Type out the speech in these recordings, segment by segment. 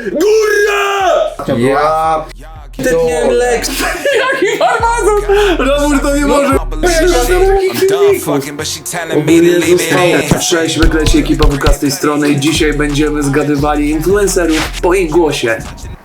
Góra! Ja... Ty nie lek. Jaki farmazon! Robór to nie może. Ogólnie zostało 6, wykleci ekipa WK z tej strony i dzisiaj będziemy zgadywali influencerów po ich głosie.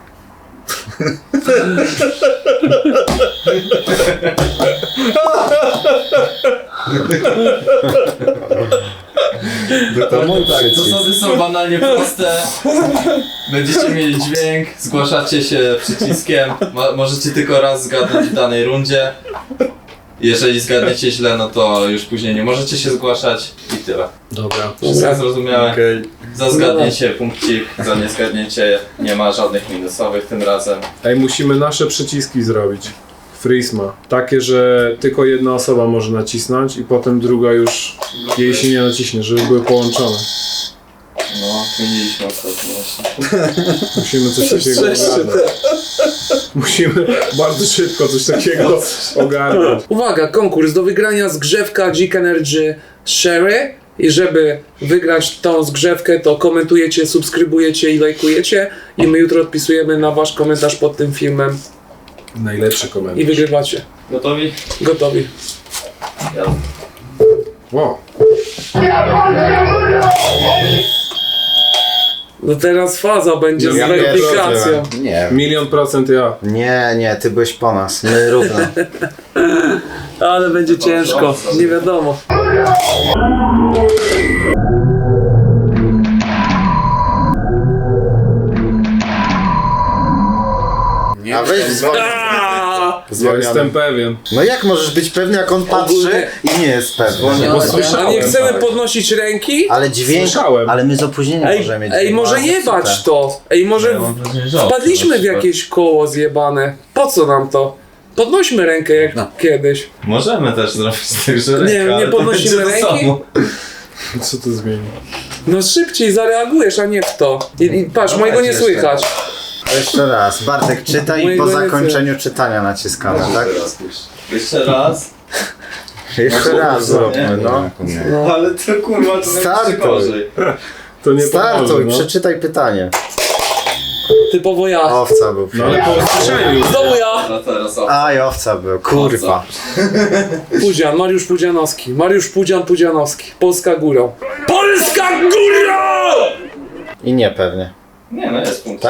Zasady są banalnie proste. Będziecie mieli dźwięk, zgłaszacie się przyciskiem. Możecie tylko raz zgadnąć w danej rundzie. Jeżeli zgadniecie źle, no to już później nie możecie się zgłaszać i tyle. Dobra. Wszystko zrozumiałe. Okej. Za zgadnięcie punkcik, za niezgadnięcie nie ma żadnych minusowych tym razem. Ej, musimy nasze przyciski zrobić. Frisma. Takie, że tylko jedna osoba może nacisnąć i potem druga już jej się nie naciśnie, żeby były połączone. No, mieliśmy ostatnio właśnie. Musimy coś takiego ogarnąć. Musimy bardzo szybko coś takiego ogarnąć. Uwaga, konkurs do wygrania zgrzewka Geek Energy Sherry. I żeby wygrać tą zgrzewkę, to komentujecie, subskrybujecie i lajkujecie. I my jutro odpisujemy na wasz komentarz pod tym filmem. Najlepszy I komentarz. wygrywacie. Gotowi? Gotowi. Ja. Wow. No teraz faza będzie z Ja weryfikacją. Nie. 1,000,000% ja. Nie, ty byłeś po nas. My równo. Ale będzie ciężko, nie wiadomo. A weź dzwoń. Ja jestem pewien. No jak możesz być pewny, jak on patrzy Ogólnie- i nie jest pewny? Bo A słyszałem. nie chcemy podnosić ręki? Ale dźwięk, Słyszałem. ale my z opóźnieniem Ej, możemy mieć. ej, może dźwięk. jebać to. Ej, może wpadliśmy w jakieś koło zjebane. Po co nam to? Podnośmy rękę jak kiedyś. Możemy też zrobić tak, że Nie, ręka, nie ale to podnosimy będzie to ręki? samo. Co to zmieni? No szybciej zareagujesz, a nie w to. I patrz, No mojego nie jeszcze. słychać. Jeszcze raz. Bartek, czytaj i Mojego po nie zakończeniu czytania naciskamy, tak? Jeszcze raz. Jeszcze raz zróbmy, no. No. Ale to kurwa, to będzie Startuj. gorzej. To nie pomoże, Startuj, no. przeczytaj pytanie. Typowo ja. Owca był. No ale po usłyszeniu. Znowu ja. A teraz o. Aj, owca był, kurwa. Pudzian, Mariusz Pudzianowski. Mariusz Pudzianowski. Polska górą. Polska górą! I nie pewnie. Nie no, jest punkt. Tak?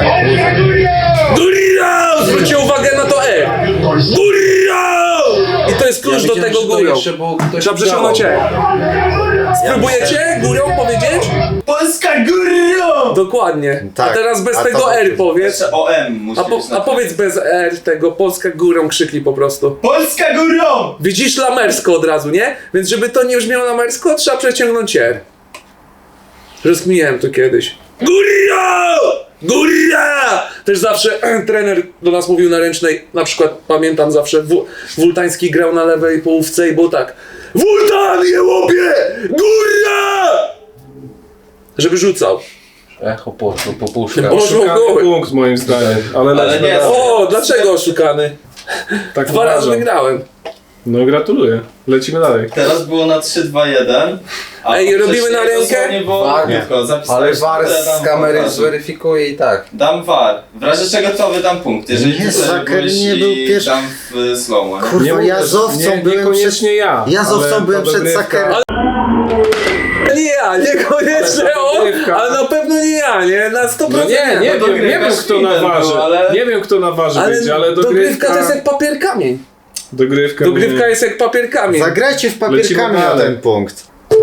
Górą! Zwróćcie uwagę na to E. Górą! I to jest klucz do tego górą. Trzeba przeciągnąć E. Spróbujecie górą powiedzieć? Polska górą! Dokładnie. Tak. A teraz bez A tego to- R powiedz. Jeszcze OM musi być A powiedz bez R tego Polska górą krzyknij po prostu. Polska górą! Widzisz lamersko od razu, nie? Więc żeby to nie brzmiało lamersko, trzeba przeciągnąć R. Rozkminiałem to kiedyś. Góra! Góra! Też zawsze trener do nas mówił na ręcznej, na przykład pamiętam zawsze Wultański grał na lewej połówce i było tak: Wultan, je łopie! Góra! Żeby rzucał. Echo poszło po puszkach. Poszło Oszukany goły. punkt moim zdaniem. Ale lecimy nie, dalej. O, dlaczego oszukany? Tak 2 razy uważam. wygrałem. No gratuluję. Lecimy dalej. Teraz było na 3-2-1. a Ej, robimy wcześniej na rękę? dosłownie było Tak. krótko, Ale zapisałem, VAR że dam z kamery VAR. zweryfikuje i tak. Dam VAR. W razie czego to wydam punkt. Jeżeli Nie, ty Zaker byłeś nie i był pierwszy. dam w slow-mo. nie? Kurwa, ja z owcą byłem przed... Niekoniecznie ja. Ja z owcą ale byłem ta przed dogrywka- Zakerem. Nie ja, niekoniecznie on, dogrywka. ale na pewno nie ja, nie? Na 100%. No nie to wiem kto na waży. był, ale- Nie wiem kto na waży Ale będzie, ale dogrywka to jest jak papier kamień. Dogrywka Dogrywka mnie- jest jak papier kamień. Zagrajcie w papierkami Lecimy na dalej. ten punkt.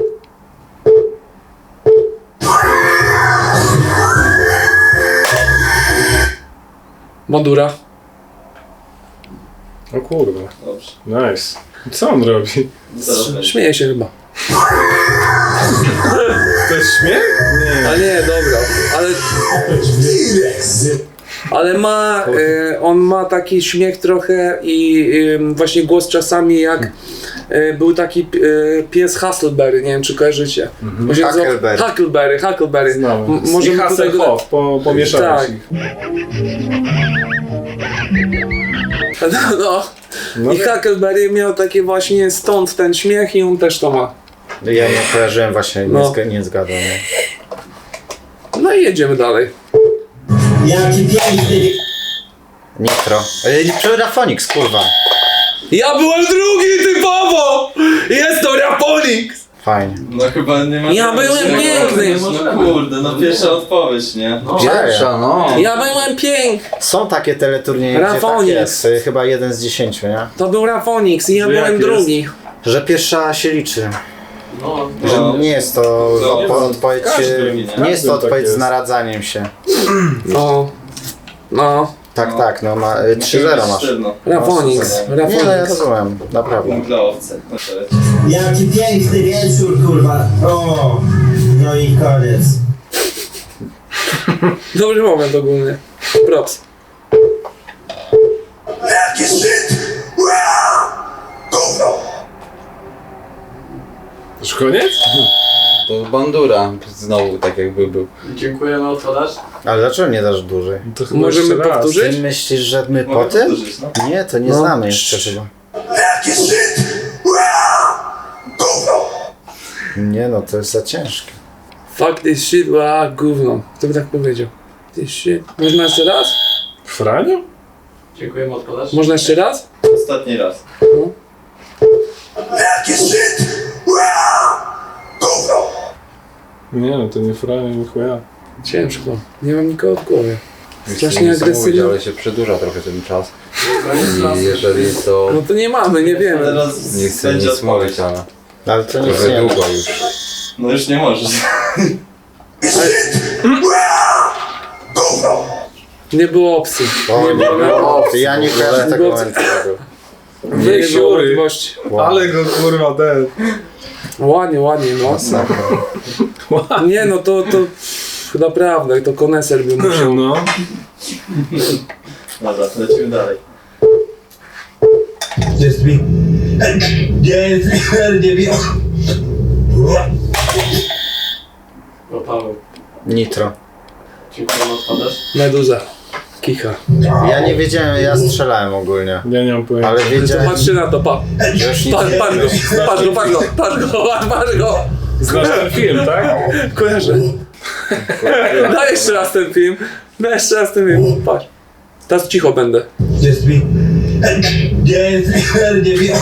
Madura. O kurwa. Dobrze. Nice. Co on robi? Zaraz będzie. Śmieje się chyba. To jest śmiech? Nie. Ale nie, dobra. Ale ma, on ma taki śmiech trochę i właśnie głos czasami jak był taki pies Huckleberry, nie wiem czy kojarzycie. On się nazywał- Huckleberry. Huckleberry. Znałem. Możemy I Hasselhoff, pomieszałeś Tak. ich. No. No I Huckleberry miał takie właśnie stąd ten śmiech i on też to ma. Ja nie kojarzyłem właśnie, No. nie zgadzam. Nie? No i jedziemy dalej. Jaki piękny. Nitro. Rafonix, kurwa. Ja byłem drugi typowo! Jest to Raponix! Fajnie. No chyba nie ma... Ja byłem piękny. No kurde, no pierwsza odpowiedź, nie? Pierwsza, no. Ja byłem piękny! Są takie teleturnieje, gdzie tak Rafonix. jest. Chyba 1 z 10, nie? To był Rafonix i ja Że jak byłem jest? drugi. Że pierwsza się liczy. No, Że nie jest to No, odpowiedź... każdy, Nie jest to tak odpowiedź z jest. naradzaniem się. No. Tak, no ma 3-0 masz. Rafonix. Nie, no ja Rafonix. rozumiem, naprawdę. Dla owce. No to leci. Jaki piękny wieczór, kurwa. O, no i koniec. Dobry moment ogólnie. Props. Już koniec? To bandura znowu tak jakby był. Dziękuję na odpowiedź. Ale dlaczego nie dasz dłużej? To chyba Możemy jeszcze raz. powtórzyć? Ty myślisz, że my po Mogę tym? powtórzyć, no. Nie, to nie No. znamy jeszcze chyba. Nie no, to jest za ciężkie. Fuck this shit, gówno. Kto by tak powiedział? This shit. Można jeszcze raz? Franio? Dziękujemy odpowiedź. Można jeszcze raz? Ostatni raz. Nie no, to nie Franio, nie chuja. Ciężko. Nie mam nikogo w głowie. Już Strasznie nie chcę mówić, agresywny. ale się przedłuża trochę ten czas. I jeżeli to... No to nie mamy, nie wiemy. Teraz Nie chcę będzie nic odpowiedź. mówić, ale Ale to nic trochę nie długo już. No już nie możesz. Nie było opcji. O, Nie było Ty, ja nie kojarzę tego Bo- momentu. Nie było Siury. możliwości. Ale go kurwa ten. Ładnie, no. Masakra. Nie no, to naprawdę, to koneser by musiał. No. Dobra, lecimy dalej. Just me. Just me. Nie wiem. O, Paweł. Nitro. Dziękuję na odpowiedź. Meduza. Kicha. Ja nie wiedziałem, ja strzelałem ogólnie. Ja nie mam pojęcia. Ale To wiedziałem, patrzy na to, że już nic nie patrz go. Znasz ten film, tak? Kojarzę. Daj jeszcze raz ten film. Patrz. Teraz cicho będę. Just me. Just me. Nie wiem.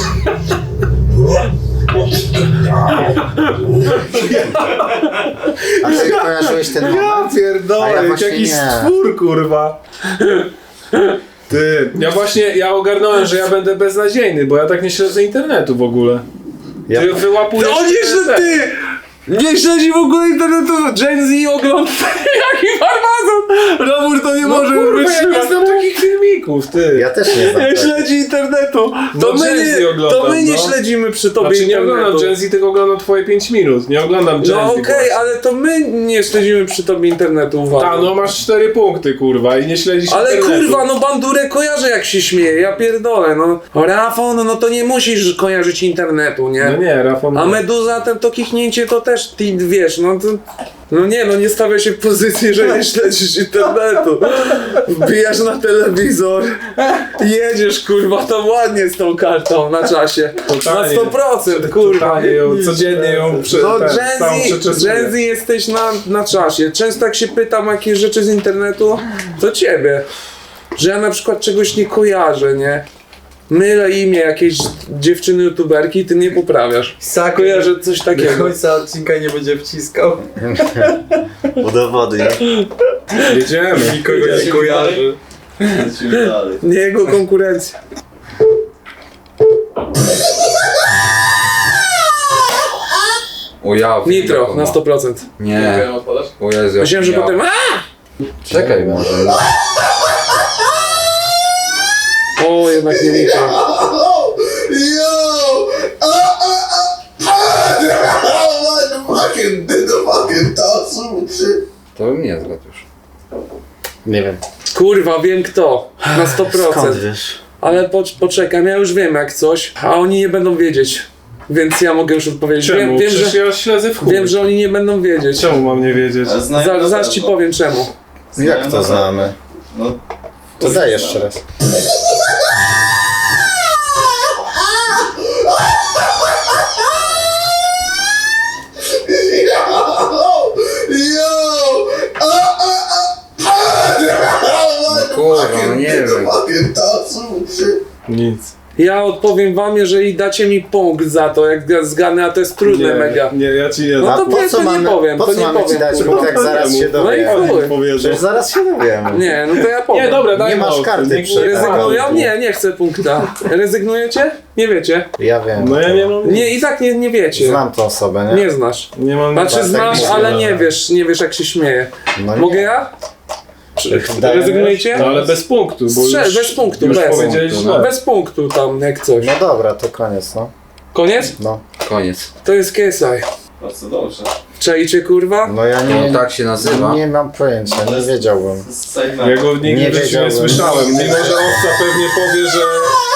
A ty kojarzyłeś ten moment? Ja A pierdolę, ja jak właśnie jakiś nie. stwór, kurwa. Ty, ja ogarnąłem, że ja będę beznadziejny, bo ja tak nie śledzę internetu w ogóle. Ja- Ty wyłapujesz... No nie, że ty! Nie śledzi w ogóle internetu. Gen Z ogląda. Jaki farmazon! Robór to nie No może kurwa, być. ja nie znam takich filmików, ty. Ja też nie znam. Nie tego. śledzi internetu. No Gen Z oglądam, nie no. śledzimy przy tobie Znaczy nie oglądam internetu. Gen Z, tylko oglądam twoje 5 minut. Nie oglądam Gen Z. No okej, ale to my nie śledzimy przy tobie internetu, uwaga. Ta, no masz 4 punkty, kurwa, i nie śledzisz Ale internetu. kurwa, no bandurę kojarzę jak się śmieje, ja pierdolę, no. Rafał, no to nie musisz kojarzyć internetu, nie? No nie, Rafał... A Meduza, to kichnięcie to też, ty wiesz, no to... No nie, no nie stawia się w pozycji, że nie śledzisz internetu. Wbijasz na telewizor, jedziesz kurwa, to ładnie z tą kartą na czasie. Totalnie. Na 100%, kurwa. Totalnie ją, codziennie ją No całą przeczesuję. Gen Z jesteś na czasie. Często jak się pytam jakieś rzeczy z internetu, to ciebie. Że ja na przykład czegoś nie kojarzę, nie? Mylę imię jakiejś dziewczyny youtuberki i ty mnie poprawiasz. Kojarzę coś Do takiego. końca odcinka nie będzie wciskał. Udowodnij. Jedziemy. Nikogo nie kojarzy. Lecimy dalej. Nie jego konkurencja. O ja... Nitro na 100%. Nie. Dziękuję na odpowiedź. O Jezu, Myślałem, że ja- potem. Czekaj może. O, jednak nie Nitro. To bym nie zgadł już. Nie wiem. Kurwa, wiem kto. Na 100%. Skąd wiesz? Ale poczekam, ja już wiem jak coś, a oni nie będą wiedzieć. Więc ja mogę już odpowiedzieć. Czemu? Wiem, Przecież że, ja śledzę w chuj. wiem, że oni nie będą wiedzieć. Czemu mam nie wiedzieć? Ale znają na Zaraz ci pewno. powiem czemu. Jak to znamy? No, To daj jeszcze raz. nie wiem. Nic. Ja odpowiem wam, jeżeli dacie mi punkt za to, jak ja zgadnę, a to jest trudne mega. Nie, ja ci nie No dam. to po powiedz, co to nie mamy, powiem, po to co nie mamy ci powiem, dać, kurwa. bo tak zaraz się No i dowiemy. chuj. Powiedzą. Przecież zaraz się dowiemy. Nie, no to ja powiem. Nie, dobra, daj Nie masz mu. karty Nie- przy- Rezygnują? Nie, nie chcę punkta. Rezygnujecie? Nie wiecie? Ja wiem. No ja nie mam. Nie, i tak nie wiecie. Znam tą osobę, nie? Nie znasz. Nie mam. Znaczy tak znasz, mówię, ale no. nie wiesz jak się śmieje. No nie. Mogę ja? Dajemy? Rezygnujecie? No ale bez punktu, bo już, Bez punktu, już bez. powiedziałeś No, źle. bez punktu tam, jak coś. No dobra, to koniec, no. Koniec? No, Koniec. To jest KSI. Bardzo dobrze. Czajcie kurwa? no ja nie, No tak się nazywa. nie mam pojęcia, nie wiedziałbym. Ja go nigdy Nie w życiu nie wiedziałem. słyszałem. Mimo, że owca pewnie powie, że...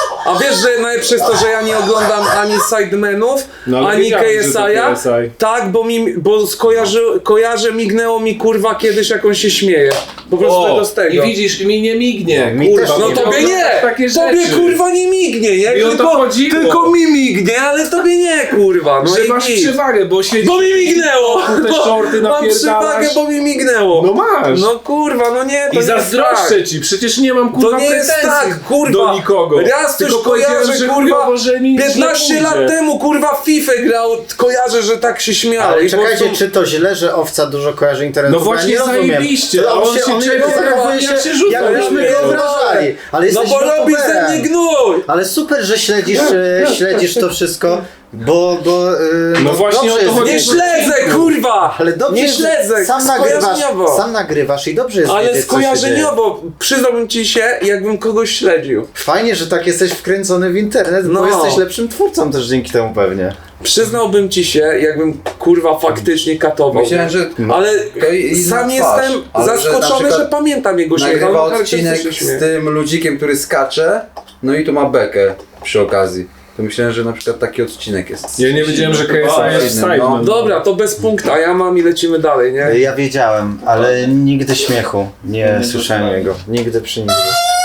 A wiesz, że najlepsze jest to, że ja nie oglądam ani Sidemenów, No, ale ani wiedziałem, że to KSI-a. KSI. Tak, bo kojarzę, mignęło mi kurwa kiedyś jak on się śmieje. Po prostu tego z tego. I widzisz, mi nie mignie. Mi Kurwa, też No nie tobie nie! Takie Tobie rzeczy. kurwa nie mignie, nie? I o to chodziło. Tylko mi mignie, ale tobie nie kurwa. No Że i masz nic. przewagę, bo siedzi... Bo mi mignęło! Te shorty Mam napierdalasz. przewagę, bo mi mignęło. No masz. No kurwa, no nie, to I nie jest zazdroszczę tak. ci, przecież nie mam kurwa To nie jest pretensji tak, kurwa. do nikogo. Raz coś Tylko powiedziałem, kojarzę, że kurwa, chujowo, że mi nic nie 15 lat pójdzie. temu kurwa w FIFA grał, kojarzę, że tak się śmiał. Ale i po czekajcie, prostu- czy to źle, że owca dużo kojarzy internetu? No Bo ja właśnie nie rozumiem. zajebiście, To on się czepia, zachowuje jak się rzuca. jakbyśmy Ja go pierdolę. obrażali. Ale No jesteś bo robi ze youtuberem. mnie gnój! Ale super, że śledzisz to wszystko, bo No właśnie dobrze o to jest chodzi. Nie wiedzieć. śledzę, kurwa! Ale dobrze nie jest, śledzę, skojarzeniowo. sam nagrywasz i dobrze jest Ale wiedzieć, co się dzieje. skojarzeniowo, przyznałbym ci się, jakbym kogoś śledził. Fajnie, że tak jesteś wkręcony w internet, bo No. jesteś lepszym twórcą też dzięki temu pewnie. Przyznałbym ci się, jakbym kurwa faktycznie katował. Myślałem, że Ale to inna sam twarz, jestem ale że na zaskoczony, przykład że pamiętam jego śmiech. nagrywa ale odcinek się śmieje. z tym ludzikiem, który skacze, no i tu ma bekę przy okazji. To myślałem, że na przykład taki odcinek jest. Ja nie wiedziałem, że KSI jest No. Sideman. Dobra, to bez punkta, ja mam i lecimy dalej, nie? Ja wiedziałem, ale nigdy śmiechu nie słyszałem jego. Nigdy przy nim.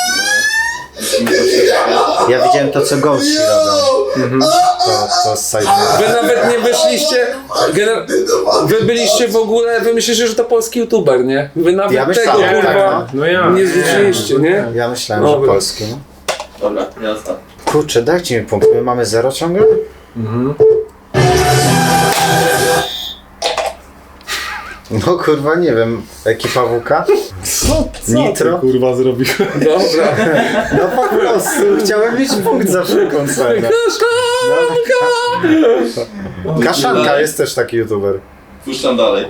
Ja widziałem to, co gości robią. To z Sideman. Wy nawet nie wyszliście, wy byliście w ogóle, wy myślicie, że to polski youtuber, nie? Wy nawet Ja tego myślałem, kurwa No ja. nie zwróciliście, nie? Ja myślałem, Dobra. że polski. No. Dobra, jazda. Kurczę, dajcie mi punkt. My mamy 0 ciągle? No kurwa, nie wiem. Ekipa WK? Co Nitro? ty, kurwa zrobił? Dobra. No po prostu. Chciałem mieć punkt za wszelką cenę. Kaszanka jest też taki youtuber. Puszczam dalej.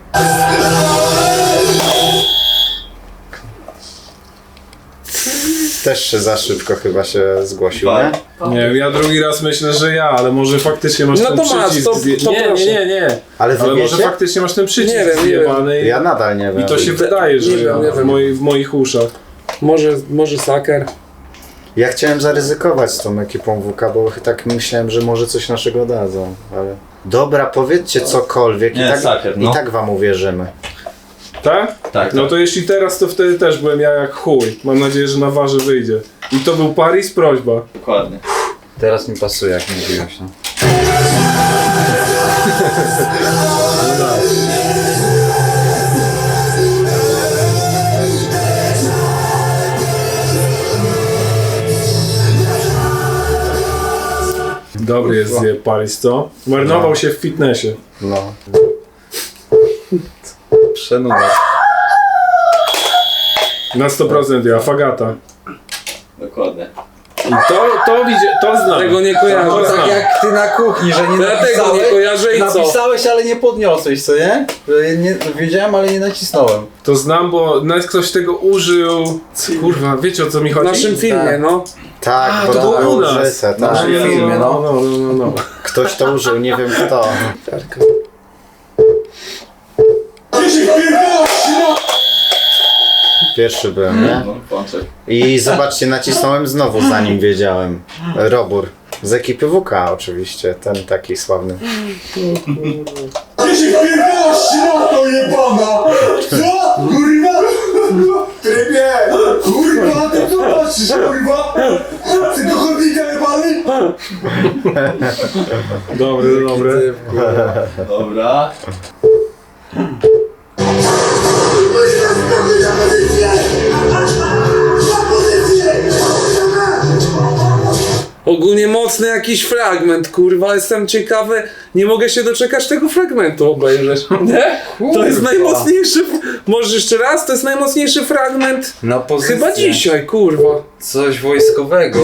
Też się za szybko chyba się zgłosił, nie? Nie, ja drugi raz myślę, że ja, ale może faktycznie masz No ten to masz, przycisk. to nie, proszę. nie. Ale wy Ale może wiecie? faktycznie masz ten przycisk Nie wiem, nie zjebany Ja nadal nie wiem. i to się wydaje, że Nie wiem, ja, nie wiem. w moich uszach. Może saker. Ja chciałem zaryzykować z tą ekipą WK, bo tak myślałem, że może coś naszego dadzą, ale... Dobra, powiedzcie cokolwiek Nie, saker, i no. tak wam uwierzymy. Tak? Tak, No to jeśli teraz, to wtedy też byłem ja jak chuj. Mam nadzieję, że na warze wyjdzie. I to był Paris, prośba. dokładnie. Teraz mi pasuje, jak mówiłeś. No. Dobry jest zjeb Paris, co? Marnował się w fitnessie. No. Przenuda. Na 100% ja, Fagata. Dokładnie. I to znam. Tego nie To kojarzę. znam. Tak jak ty na kuchni, że nie Dlatego nie kojarzę i co? napisałeś, ale nie podniosłeś, co nie? Że nie wiedziałem, ale nie nacisnąłem. To znam, bo nawet ktoś tego użył. Kurwa, wiecie o co mi W chodzi? naszym filmie, Tak. no. Tak, A, bo to było było u nas. użyte, W naszym tak. filmie, no. No. Ktoś to użył, nie wiem kto. Pierwszy byłem, nie? No, Pączek. I zobaczcie, nacisnąłem znowu, zanim wiedziałem. Robur. Z ekipy WK oczywiście, ten taki sławny. Ty się pierdolasz, środo jebana! Co? Kurwa? Trybie! Kurwa, ty co patrzysz, kurwa? Ty do chodnika jebany? Dobre. Dobra. Kurwa, Ogólnie mocny jakiś fragment, kurwa, jestem ciekawy, nie mogę się doczekać tego fragmentu obejrzeć, nie? To jest najmocniejszy, może jeszcze raz, to jest najmocniejszy fragment Na pozycję. chyba dzisiaj, kurwa. Coś wojskowego.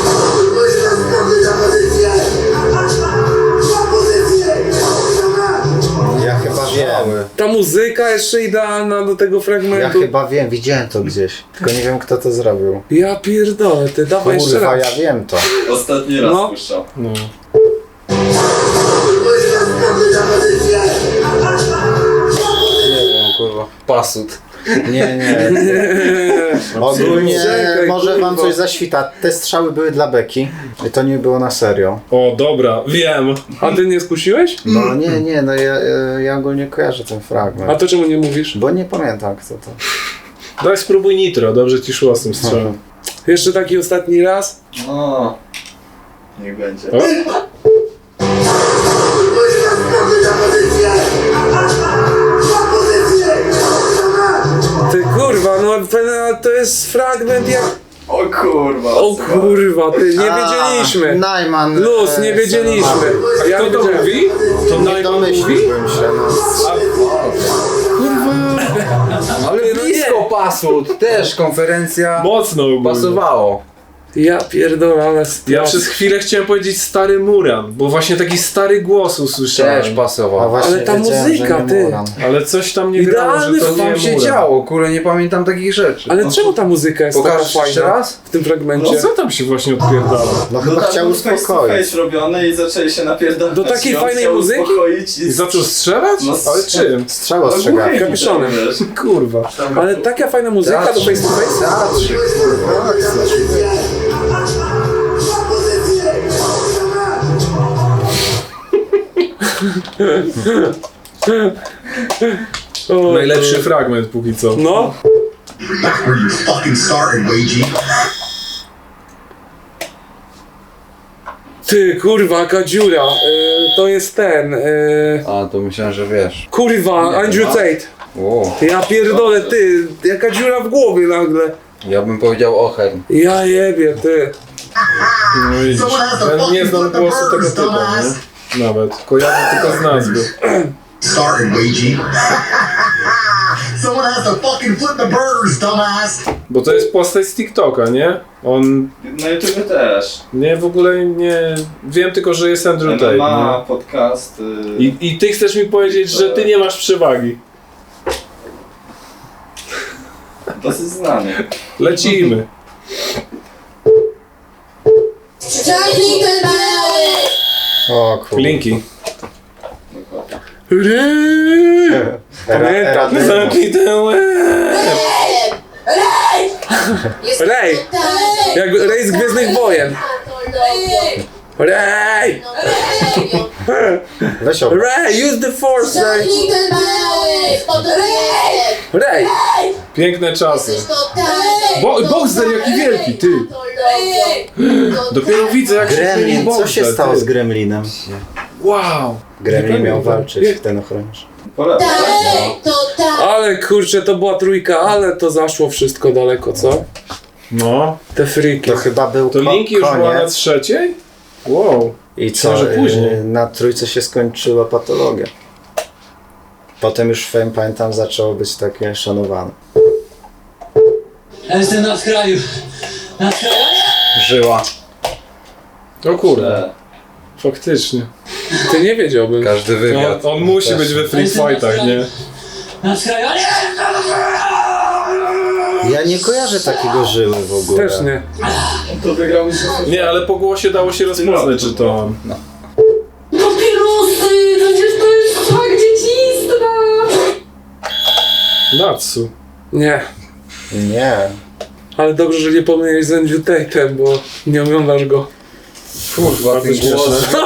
Ja chyba wiem. Ta muzyka jeszcze idealna do tego Ja fragmentu. chyba wiem, widziałem to gdzieś. Tylko nie wiem kto to zrobił. Ja pierdolę, ty dawaj jeszcze Kurwa, raz. ja wiem to. Ostatni raz No. puszczał. No. Nie wiem, kurwa. Pasut. Nie. Ogólnie Czekaj, może wam kurwa. coś zaświta. Te strzały były dla beki. I to nie było na serio. O, dobra, wiem. A ty nie skusiłeś? No nie, no ja ogólnie kojarzę ten A fragment. to czemu nie mówisz? Bo nie pamiętam kto to. Daj spróbuj nitro, dobrze ci szło z tym strzałem. Jeszcze taki ostatni raz. No. Niech będzie. O, Ty kurwa, no to jest fragment jak... O kurwa. O kurwa, ty, nie wiedzieliśmy. Najman. Luz, nie wiedzieliśmy. Ja kto nie to wiedziałem. mówi? To Nie najmniej mówi? domyśliłbym się. No. Ale no blisko nie. pasut. Też konferencja Mocno ogólnie. pasowało. Ja pierdolę, ale... Ja przez chwilę chciałem powiedzieć stary Muran, bo właśnie taki stary głos usłyszałem. Też A pasował. właśnie Ale ta wiedziałem, muzyka, że nie ty. Muran. Ale coś tam nie grało, że Idealny to Co nie tam się Muran. działo? Kurę, nie pamiętam takich rzeczy. Ale czemu ta muzyka jest taka Pokażesz jeszcze fajna raz? w tym fragmencie? No co tam się właśnie odpierdala? No chyba tam chciał był face to uspokoić. face robione i zaczęli się napierdalać. Do takiej I on fajnej chciał muzyki? uspokoić I zaczął strzelać? No, Ale czym? Strzał No, ostrzegawczy. głuchy, Kapiszonem. wiesz. Kurwa. Ale taka fajna muzyka do face to face? Teatrzyk, kurwa. O, Najlepszy fragment póki co. No. That's where you're fucking starting, Luigi. Ty, kurwa, jaka dziura. To jest ten. A, to myślałem, że wiesz. Kurwa, Andrew Tate. Wow. Ja pierdolę, ty. Jaka dziura w głowie nagle. Ja bym powiedział Ochern. Ja jebie, ty. No widzisz. Ja nie znam głosu tego typu, nie? Nawet. Kojarzę tylko z nazwy. Starting, Luigi. Someone has to fucking flip the burgers, dumbass. Bo to jest postać z TikToka, nie? On... Na YouTube też. Nie, w ogóle nie... Wiem tylko, że jest Andrew Tate, Ma nie? podcast. I ty chcesz mi powiedzieć, że ty nie masz przewagi. Dosyć znany. Lecimy. O kurwa. Linki. Pamiętam. Zamknij ten łeb. Rej! Jak Rej z Gwiezdnych Wojen. Rej! Weź o. Rej, use the force, Rej! Rej! Piękne czasy. Boxer jaki wielki, ty. Dopiero widzę jak się zmienił Gremlin, co się Boxer, stało ty. z Gremlinem? Wow. Gremlin miał pamiętam. walczyć, ten ochroniarz. Polecam. Ale kurczę, to była trójka, ale to zaszło wszystko daleko, co? No. Te friki. To chyba był To linki już była na koniec. trzeciej? Wow. I co, Może później. na trójce się skończyła patologia. Potem już Fame, pamiętam, zaczęło być takie szanowane. Ja jestem na skraju. Na skraju. Żyła. O kurde. Faktycznie. Ty nie wiedziałbym. Każdy wywiad. On musi być we free fightach, nie? Na skraju. Ja nie kojarzę takiego żyły w ogóle. Też nie. To wygrał mi Nie, ale po głosie dało się rozpoznać, czy to on. Papierosy! Przecież to jest smak dzieciństwa! Natsu. Nie. Nie. Ale dobrze, że nie pomyliłeś z Andrew Tate'em, bo nie oglądasz go. Kurwa, Bardzo ten głos. śmieszne.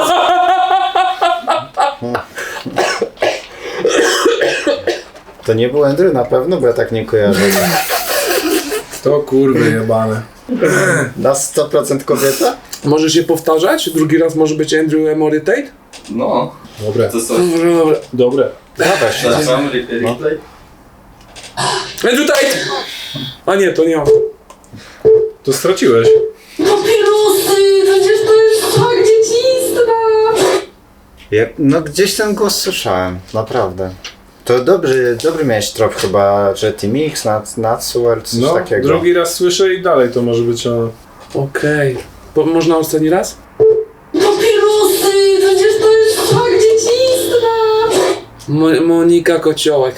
To nie był Andrew na pewno, bo ja tak nie kojarzę. To kurwy jebane. Na 100% kobieta? Może się powtarzać? Drugi raz może być Andrew Emory Tate? No. Dobre. To co? Dobra, dobra. Dobre. Dawaj się. Zaczynam replay. Andrew Tate! A nie, to nie on. To straciłeś. Papierosy! Przecież to No gdzieś ten głos słyszałem, naprawdę. To dobry miałeś trop chyba, że T-Mix, Natsuel, coś No, takiego. drugi raz słyszę i dalej to może być ono. Okej. Można ostatni raz? Papierosy! Przecież to jest smak dzieciństwa! Monika Kociołek.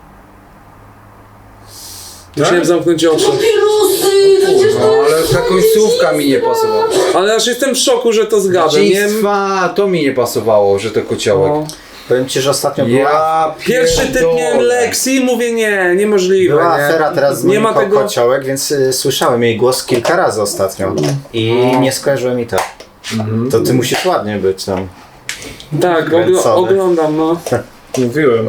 Musiałem zamknąć oczy. Papierosy! Przecież to No ale ta końcówka mi nie pasowała. Ale aż jestem w szoku, że to zgadłem. Nie Dziństwa, to mi nie pasowało, że to kociołek. no. Powiem ci, że ostatnio była, Ja Pierwszy typ miałem pierdolę. Lexi, mówię niemożliwe. była nie? afera teraz z Nie ma Moniką tego. Kociołek, więc słyszałem jej głos kilka razy ostatnio. I nie skojarzyłem mi to. To ty musisz ładnie być tam. Tak, Kręcony. oglądam, no. Mówiłem.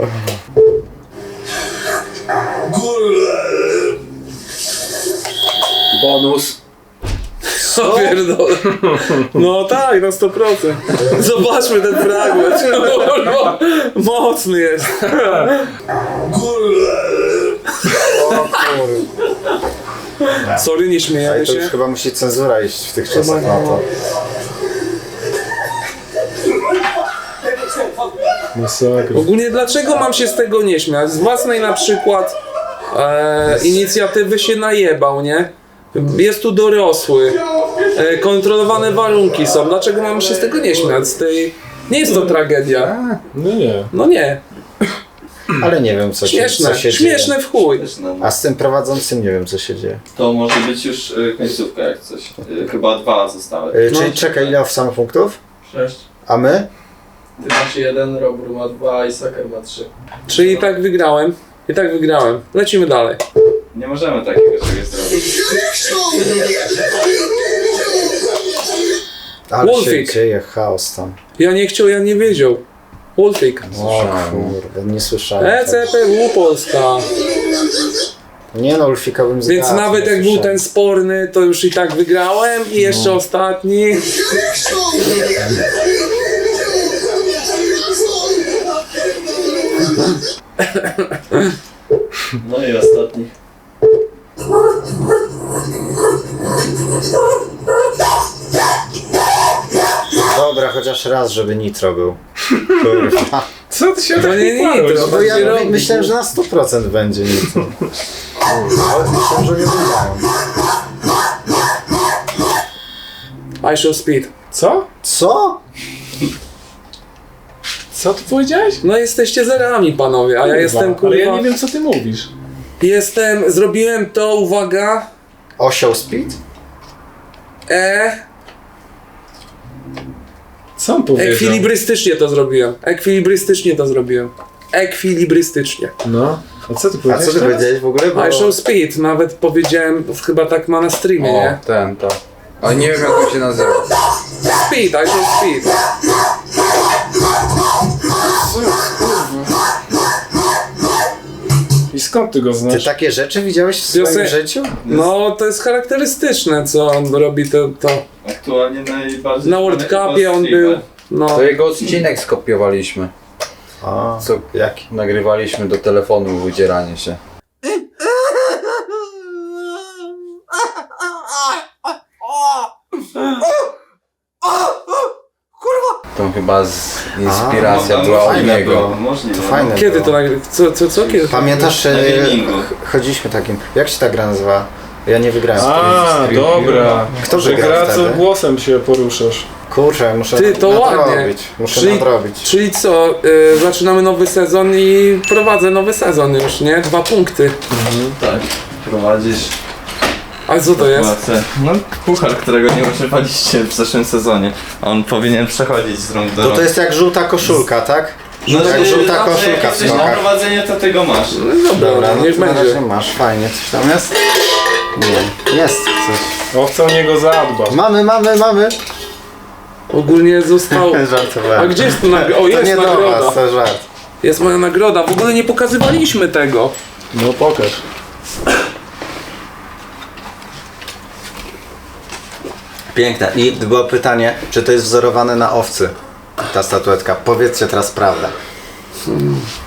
Bonus. Co pierdolę. No tak, na 100%. Zobaczmy ten fragment. Kurwa, mocny jest. O kur... Sorry, nie śmiejemy Ale to już się. chyba musi cenzura iść w tych czasach na to. Masakra. Ogólnie dlaczego mam się z tego nie śmiać? Z własnej na przykład inicjatywy się najebał, nie? Jest tu dorosły. Kontrolowane warunki są. Dlaczego mam się z tego nie śmiać? Z tej... Nie jest to tragedia. No nie. No nie. Ale nie wiem co Śmieszne. się Śmieszne w chuj. dzieje. A z tym prowadzącym nie wiem co się dzieje. To może być już końcówka jak coś. Chyba 2 zostały. Czyli czekaj, ile samopunktów? 6. A my? Ty masz 1, Robur ma 2 i Saker ma 3. Czyli i tak wygrałem. I tak wygrałem. Lecimy dalej. Nie możemy takiego czegoś zrobić. Ale Wolfik. się dzieje chaos tam. Ja nie chciał, ja nie wiedział. Wolfik. O kurde, nie słyszałem. ECPW Polska. Nie no, Ulfika bym zgadł. Więc nawet nie jak był słyszałem. ten sporny, to już i tak wygrałem. I jeszcze ostatni. No i ostatni. Dobra, chociaż raz, żeby Nitro był. Kurwa. Co ty się To tak nie chwalisz? Nitro. No bo ja Będzie robić. myślałem, że na 100% będzie Nitro. Ale myślałem, że nie wygrają. I show speed. Co? Co? Co ty powiedziałeś? No jesteście zerami, panowie, a ja jestem kurwa. Ale ja nie wiem co ty mówisz. Zrobiłem to, uwaga. Osioł Speed? Co on powiedział? Ekwilibrystycznie to zrobiłem. Ekwilibrystycznie. No. A co ty A powiedziałeś co ty teraz? powiedziałeś w ogóle? Bo... I show speed, nawet powiedziałem, chyba tak ma na streamie, nie? O, ten, to. Ale nie wiem jak on się nazywa. Speed, I show speed. I skąd ty go Ty znasz? takie rzeczy widziałeś w swoim Piosen- życiu? No, to jest charakterystyczne, co on robi to. Aktualnie najbardziej... Na World Cupie on był. No. To jego odcinek skopiowaliśmy. A, Co jaki? nagrywaliśmy do telefonu wydzieranie się. To chyba inspiracja A, była od fajne niego. było. Możliwe. Fajne Kiedy było. to nagry... Co kiedy? Pamiętasz, Na gamingu. chodziliśmy takim. Jak się ta gra nazywa? Ja nie wygrałem. A, dobra. Kto Że wygrał gra co wtedy? głosem się poruszasz. Kurczę, muszę Ty, to ładnie. nadrobić. Muszę Czyli- nadrobić. Czyli co, zaczynamy nowy sezon i prowadzę nowy sezon już, nie? 2 punkty. Tak, prowadzisz. A co to jest? No, puchar, którego nie używaliście w zeszłym sezonie. On powinien przechodzić z rąk do To rąk. to jest jak żółta koszulka, tak? No, jak żółta koszulka jak w jesteś na skokach. prowadzenie, to ty go masz. No dobra, Dobra, no niech to na będzie. razie masz, fajnie. Coś tam jest? Nie, jest coś. Owca o niego zadba. Mamy! Ogólnie został... Żartowałem. A gdzie jest to nagroda? O, To jest nie do nagroda. was, to żart. Jest moja nagroda. W ogóle nie pokazywaliśmy tego. No pokaż. Piękne. I było pytanie, czy to jest wzorowane na owcy? Ta statuetka. Powiedzcie teraz prawdę.